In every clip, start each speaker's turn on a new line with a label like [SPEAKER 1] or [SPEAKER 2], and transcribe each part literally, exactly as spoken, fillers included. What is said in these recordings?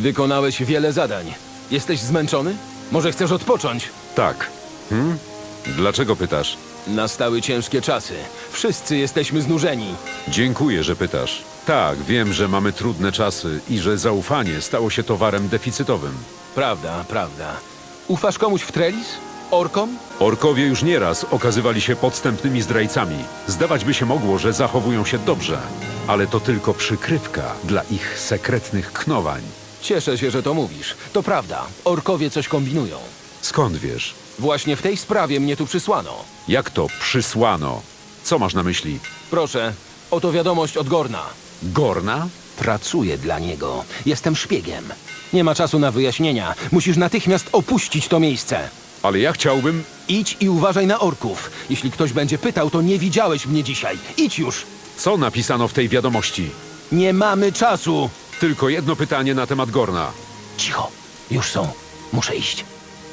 [SPEAKER 1] Wykonałeś wiele zadań. Jesteś zmęczony? Może chcesz odpocząć?
[SPEAKER 2] Tak. Hmm? Dlaczego pytasz?
[SPEAKER 1] Nastały ciężkie czasy. Wszyscy jesteśmy znużeni.
[SPEAKER 2] Dziękuję, że pytasz. Tak, wiem, że mamy trudne czasy i że zaufanie stało się towarem deficytowym.
[SPEAKER 1] Prawda, prawda. Ufasz komuś w Trellis? Orkom?
[SPEAKER 2] Orkowie już nieraz okazywali się podstępnymi zdrajcami. Zdawać by się mogło, że zachowują się dobrze, ale to tylko przykrywka dla ich sekretnych knowań.
[SPEAKER 1] Cieszę się, że to mówisz. To prawda. Orkowie coś kombinują.
[SPEAKER 2] Skąd wiesz?
[SPEAKER 1] Właśnie w tej sprawie mnie tu przysłano.
[SPEAKER 2] Jak to przysłano? Co masz na myśli?
[SPEAKER 1] Proszę, oto wiadomość od Gorna.
[SPEAKER 2] Gorna?
[SPEAKER 1] Pracuję dla niego. Jestem szpiegiem. Nie ma czasu na wyjaśnienia. Musisz natychmiast opuścić to miejsce.
[SPEAKER 2] Ale ja chciałbym...
[SPEAKER 1] Idź i uważaj na orków. Jeśli ktoś będzie pytał, to nie widziałeś mnie dzisiaj. Idź już!
[SPEAKER 2] Co napisano w tej wiadomości?
[SPEAKER 1] Nie mamy czasu!
[SPEAKER 2] Tylko jedno pytanie na temat Gorna.
[SPEAKER 1] Cicho. Już są. Muszę iść.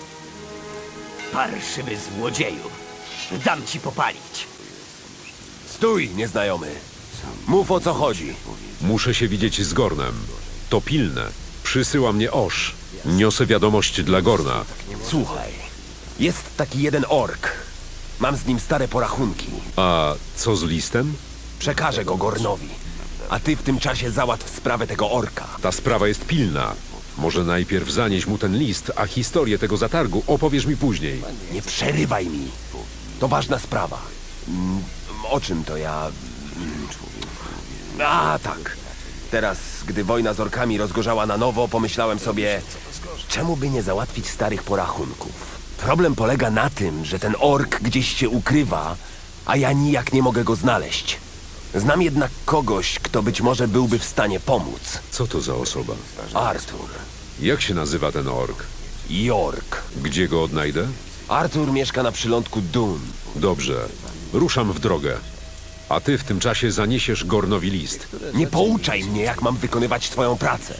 [SPEAKER 3] Parszywy złodzieju. Dam ci popalić.
[SPEAKER 4] Stój, nieznajomy. Mów, o co chodzi.
[SPEAKER 2] Muszę się widzieć z Gornem. To pilne. Przysyła mnie Osh. Niosę wiadomość dla Gorna.
[SPEAKER 4] Słuchaj, jest taki jeden ork. Mam z nim stare porachunki.
[SPEAKER 2] A co z listem?
[SPEAKER 4] Przekażę go Gornowi. A ty w tym czasie załatw sprawę tego orka.
[SPEAKER 2] Ta sprawa jest pilna. Może najpierw zanieś mu ten list, a historię tego zatargu opowiesz mi później.
[SPEAKER 4] Nie przerywaj mi. To ważna sprawa. Mm, O czym to ja... Mm, A, tak. Teraz, gdy wojna z orkami rozgorzała na nowo, pomyślałem sobie, czemu by nie załatwić starych porachunków? Problem polega na tym, że ten ork gdzieś się ukrywa, a ja nijak nie mogę go znaleźć. Znam jednak kogoś, kto być może byłby w stanie pomóc.
[SPEAKER 2] Co to za osoba?
[SPEAKER 4] Artur.
[SPEAKER 2] Jak się nazywa ten ork?
[SPEAKER 4] Jork.
[SPEAKER 2] Gdzie go odnajdę?
[SPEAKER 4] Artur mieszka na przylądku Dun.
[SPEAKER 2] Dobrze. Ruszam w drogę. A ty w tym czasie zaniesiesz Gornowi list.
[SPEAKER 4] Nie pouczaj mnie, jak mam wykonywać twoją pracę.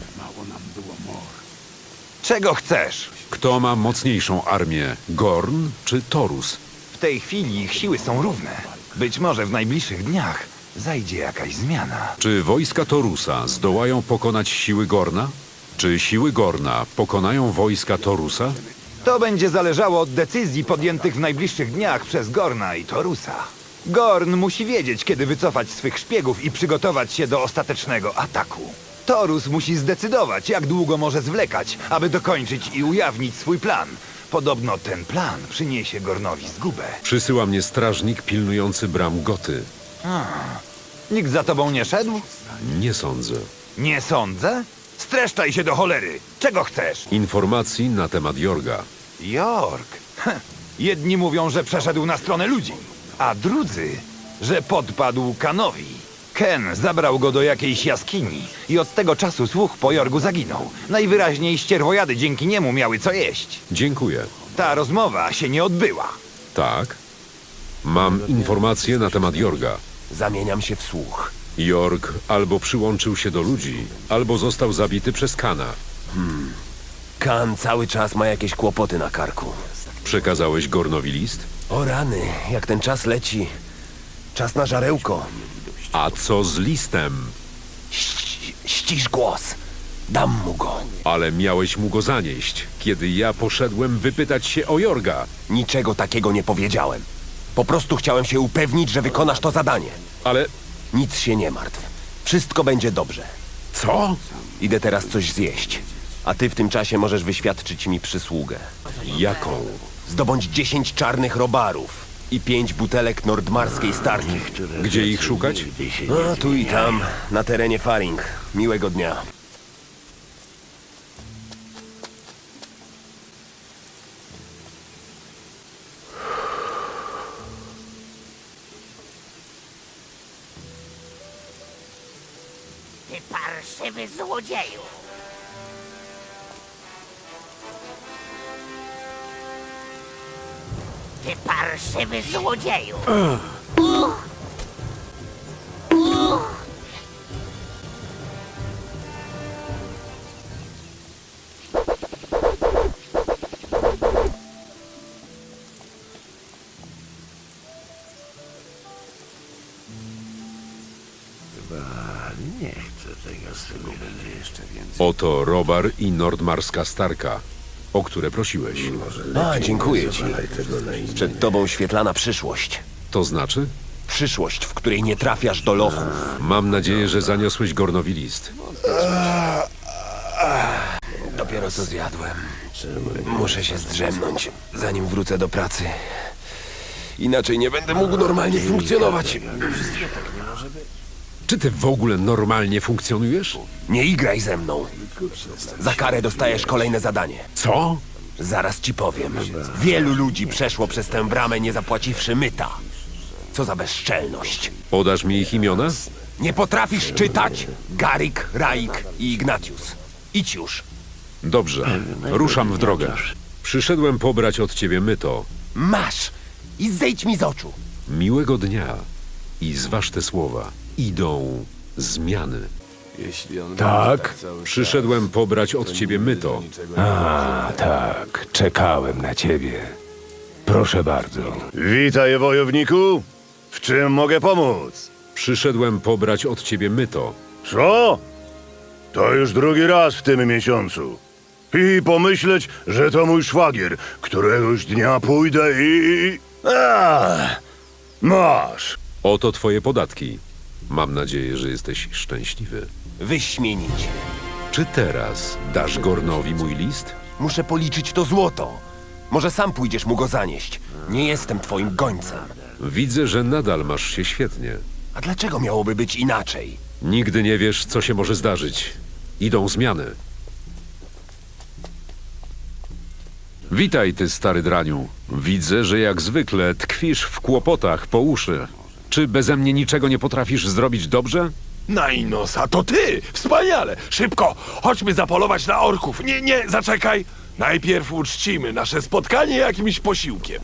[SPEAKER 5] Czego chcesz?
[SPEAKER 2] Kto ma mocniejszą armię? Gorn czy Torus?
[SPEAKER 5] W tej chwili ich siły są równe. Być może w najbliższych dniach zajdzie jakaś zmiana.
[SPEAKER 2] Czy wojska Torusa zdołają pokonać siły Gorna? Czy siły Gorna pokonają wojska Torusa?
[SPEAKER 5] To będzie zależało od decyzji podjętych w najbliższych dniach przez Gorna i Torusa. Gorn musi wiedzieć, kiedy wycofać swych szpiegów i przygotować się do ostatecznego ataku. Torus musi zdecydować, jak długo może zwlekać, aby dokończyć i ujawnić swój plan. Podobno ten plan przyniesie Gornowi zgubę.
[SPEAKER 2] Przysyła mnie strażnik pilnujący bram Goty.
[SPEAKER 5] Nikt za tobą nie szedł?
[SPEAKER 2] Nie sądzę.
[SPEAKER 5] Nie sądzę. Streszczaj się do cholery. Czego chcesz?
[SPEAKER 2] Informacji na temat Jorga.
[SPEAKER 5] Jork. Heh. Jedni mówią, że przeszedł na stronę ludzi, a drudzy, że podpadł Kanowi. Ken zabrał go do jakiejś jaskini i od tego czasu słuch po Jorgu zaginął. Najwyraźniej ścierwojady dzięki niemu miały co jeść.
[SPEAKER 2] Dziękuję.
[SPEAKER 5] Ta rozmowa się nie odbyła.
[SPEAKER 2] Tak? Mam informacje na temat Jorga.
[SPEAKER 4] Zamieniam się w słuch.
[SPEAKER 2] Jorg albo przyłączył się do ludzi, albo został zabity przez Kana.
[SPEAKER 4] Kan cały czas ma jakieś kłopoty na karku.
[SPEAKER 2] Przekazałeś Gornowi list?
[SPEAKER 4] O rany, jak ten czas leci. Czas na żarełko.
[SPEAKER 2] A co z listem?
[SPEAKER 4] Ści- ścisz głos. Dam mu go.
[SPEAKER 2] Ale miałeś mu go zanieść, kiedy ja poszedłem wypytać się o Jorga.
[SPEAKER 4] Niczego takiego nie powiedziałem. Po prostu chciałem się upewnić, że wykonasz to zadanie.
[SPEAKER 2] Ale
[SPEAKER 4] Nic się nie martw. Wszystko będzie dobrze.
[SPEAKER 2] co?
[SPEAKER 4] Idę teraz coś zjeść. A ty w tym czasie możesz wyświadczyć mi przysługę.
[SPEAKER 2] Jaką?
[SPEAKER 4] Zdobądź dziesięć czarnych robarów i pięć butelek nordmarskiej starki.
[SPEAKER 2] Gdzie ich szukać?
[SPEAKER 4] A tu i tam, na terenie Faring. Miłego dnia.
[SPEAKER 3] Ty parszywy złodzieju. Ty parszywy złodzieju. Uch. Uch.
[SPEAKER 6] Chyba nie chcę tego
[SPEAKER 2] Oto Robar i Nordmarska Starka, o które prosiłeś.
[SPEAKER 4] A, dziękuję ci. Przed tobą świetlana przyszłość.
[SPEAKER 2] To znaczy?
[SPEAKER 4] Przyszłość, w której nie trafiasz do lochów.
[SPEAKER 2] Mam nadzieję, że zaniosłeś Gornowi list.
[SPEAKER 4] Dopiero co zjadłem. Muszę się zdrzemnąć, zanim wrócę do pracy. Inaczej nie będę mógł normalnie funkcjonować.
[SPEAKER 2] Czy ty w ogóle normalnie funkcjonujesz?
[SPEAKER 4] Nie igraj ze mną. Za karę dostajesz kolejne zadanie.
[SPEAKER 2] Co?
[SPEAKER 4] Zaraz ci powiem. Wielu ludzi przeszło przez tę bramę, nie zapłaciwszy myta. Co za bezczelność.
[SPEAKER 2] Podasz mi ich imiona?
[SPEAKER 4] Nie potrafisz czytać? Garik, Raik i Ignatius. Idź już.
[SPEAKER 2] Dobrze, ruszam w drogę. Przyszedłem pobrać od ciebie myto.
[SPEAKER 4] Masz! I zejdź mi z oczu.
[SPEAKER 2] Miłego dnia. I zważ te słowa. Idą zmiany.
[SPEAKER 5] Tak?
[SPEAKER 2] Przyszedłem pobrać od ciebie myto.
[SPEAKER 5] A, tak. Czekałem na ciebie. Proszę bardzo.
[SPEAKER 6] Witaj, wojowniku. W czym mogę pomóc?
[SPEAKER 2] Przyszedłem pobrać od ciebie myto.
[SPEAKER 6] Co? To już drugi raz w tym miesiącu. I pomyśleć, że to mój szwagier. Któregoś dnia pójdę i... A, masz.
[SPEAKER 2] Oto twoje podatki. Mam nadzieję, że jesteś szczęśliwy.
[SPEAKER 4] Wyśmienicie.
[SPEAKER 2] Czy teraz dasz Gornowi mój list?
[SPEAKER 4] Muszę policzyć to złoto. Może sam pójdziesz mu go zanieść. Nie jestem twoim gońcem.
[SPEAKER 2] Widzę, że nadal masz się świetnie.
[SPEAKER 4] A dlaczego miałoby być inaczej?
[SPEAKER 2] Nigdy nie wiesz, co się może zdarzyć. Idą zmiany. Witaj, ty stary draniu. Widzę, że jak zwykle tkwisz w kłopotach po uszy. Czy beze mnie niczego nie potrafisz zrobić dobrze?
[SPEAKER 7] Najnosa, to ty! Wspaniale! Szybko! Chodźmy zapolować na orków! Nie, nie, zaczekaj! Najpierw uczcimy nasze spotkanie jakimś posiłkiem.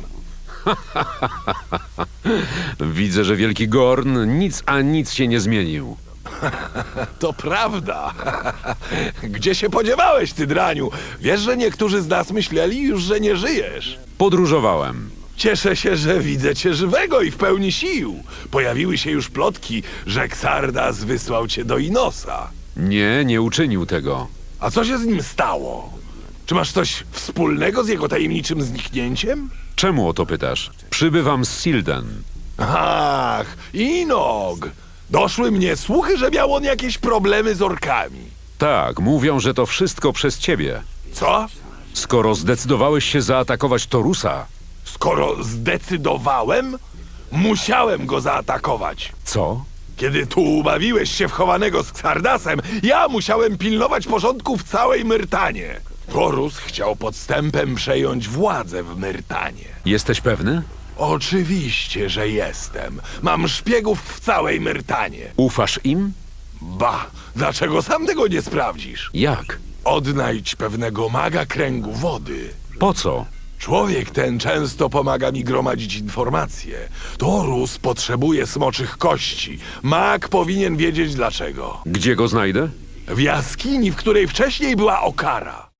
[SPEAKER 2] Widzę, że wielki Gorn nic a nic się nie zmienił.
[SPEAKER 7] To prawda. Gdzie się podziewałeś, ty draniu? Wiesz, że niektórzy z nas myśleli już, że nie żyjesz.
[SPEAKER 2] Podróżowałem.
[SPEAKER 7] Cieszę się, że widzę cię żywego i w pełni sił. Pojawiły się już plotki, że Xardas wysłał cię do Inosa.
[SPEAKER 2] Nie, nie uczynił tego.
[SPEAKER 7] A co się z nim stało? Czy masz coś wspólnego z jego tajemniczym zniknięciem?
[SPEAKER 2] Czemu o to pytasz? Przybywam z Silden.
[SPEAKER 7] Ach, Inog! Doszły mnie słuchy, że miał on jakieś problemy z orkami.
[SPEAKER 2] Tak, mówią, że to wszystko przez ciebie.
[SPEAKER 7] Co?
[SPEAKER 2] Skoro zdecydowałeś się zaatakować Torusa,
[SPEAKER 7] Skoro zdecydowałem, musiałem go zaatakować.
[SPEAKER 2] co?
[SPEAKER 7] Kiedy tu ubawiłeś się w chowanego z Xardasem, ja musiałem pilnować porządku w całej Myrtanie. Torus chciał podstępem przejąć władzę w Myrtanie.
[SPEAKER 2] Jesteś pewny?
[SPEAKER 7] Oczywiście, że jestem. Mam szpiegów w całej Myrtanie.
[SPEAKER 2] Ufasz im?
[SPEAKER 7] Ba, dlaczego sam tego nie sprawdzisz?
[SPEAKER 2] Jak?
[SPEAKER 7] Odnajdź pewnego maga kręgu wody.
[SPEAKER 2] Po co?
[SPEAKER 7] Człowiek ten często pomaga mi gromadzić informacje. Torus potrzebuje smoczych kości. Mag powinien wiedzieć dlaczego.
[SPEAKER 2] Gdzie go znajdę?
[SPEAKER 7] W jaskini, w której wcześniej była Okara.